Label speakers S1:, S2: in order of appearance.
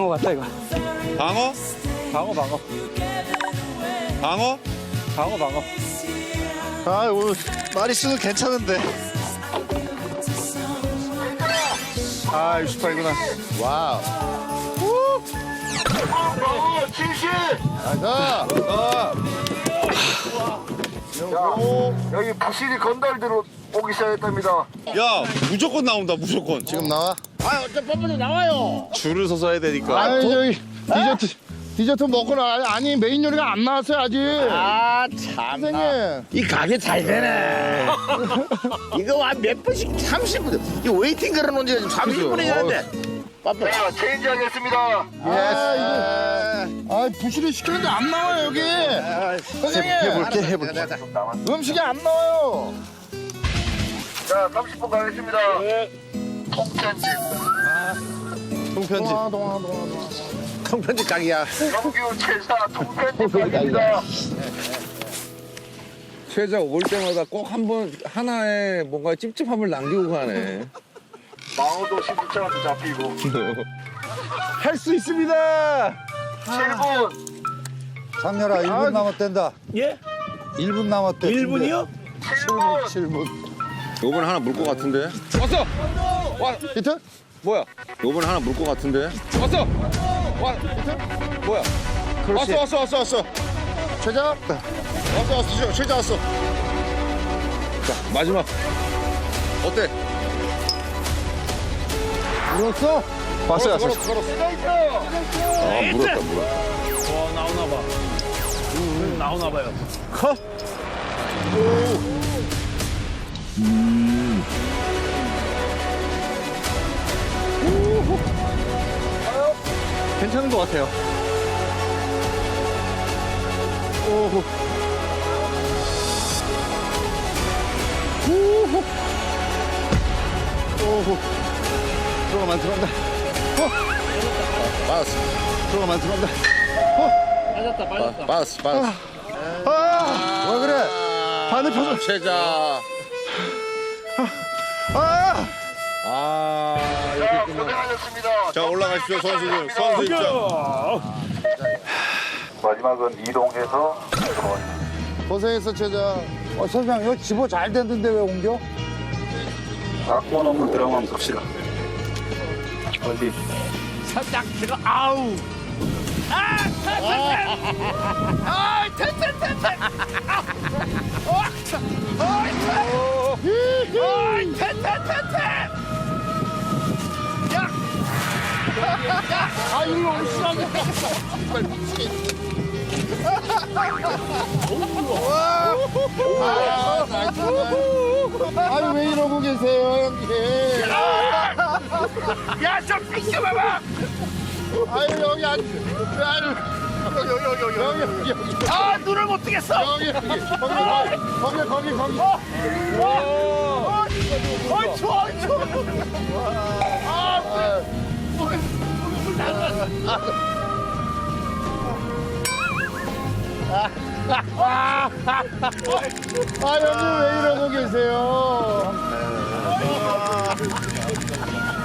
S1: 방어 같다 이거.
S2: 방어?
S1: 방어.
S2: 방어?
S1: 방어.
S3: 아 오늘 마리수는 괜찮은데. 아 68구나. 와우.
S4: 진실!
S3: 자.
S4: 여기 부실이 건달들로 오기 시작했답니다.
S2: 야, 무조건 나온다, 무조건.
S3: 지금 나와?
S4: 아, 어차피 나와요.
S2: 줄을 서서 해야 되니까.
S3: 아니 저기 디저트 먹고 나. 아니 메인 요리가 안 나왔어요 아직.
S4: 아, 참.
S3: 선생님.
S4: 이 가게 잘 되네. 이거 한 몇 분씩 30분. 이 웨이팅 걸어놓은 지가 지금 30분이 되는데. 빠빠. 자, 체인지 하겠습니다.
S3: 아 부실을 시켰는데 안 나와요 여기. 선생님. 해볼게. 음식이 안 나와요.
S4: 자, 30분 가겠습니다. 통편집.
S3: 통편지.
S4: 통편집 가게야.
S3: 아,
S4: 정규 최사 통편집 가게입니다.
S5: 최자 올 때마다 꼭 한 번 하나의 뭔가 찝찝함을 남기고 가네.
S4: 망호도 12차한테 잡히고.
S3: 할 수 있습니다.
S4: 7분.
S6: 장렬아 1분 남았댄다.
S1: 예?
S6: 1분 남았대.
S1: 1분이요?
S4: 7분.
S5: 요번 하나 물 것 같은데. 왔어. 와,
S3: 히트?
S5: 뭐야? 요번 하나 물 것 같은데. 왔어. 와, 뭐야?
S3: 왔어. 최자. 왔어. 최자 왔어.
S5: 자, 마지막. 어때?
S3: 물었어? 왔어.
S5: 아, 물었다.
S1: 와 나오나 봐. 나오나 봐요.
S3: 컷. 괜찮은 것 같아요. 오호. 오호. 오호. 들어간다.
S5: 빠졌어.
S3: 들어간다.
S5: 빠졌어.
S3: 아!
S6: 왜 그래?
S3: 반대편으로.
S5: 최자.
S3: 아!
S4: 자, 고생하셨습니다.
S2: 자, 올라가십시오, 선수들. 선수 입장.
S4: 마지막은 이동해서
S3: 고생했어, 최자.
S6: 선생님 이거 집어 잘 됐는데 왜 옮겨?
S4: 낙원 없는 들어가면 봅시다. 어디?
S1: 살짝 들어. 아우.
S3: 아니, 왜 이러고 계세요, 형님?
S4: 야, 좀 비켜봐봐.
S3: 아유, 여기 아니. 여기.
S4: 아, 눈을 못 뜨겠어.
S3: 거기.
S4: 어이, 추워.
S3: 아, 형님 왜 이러고 계세요?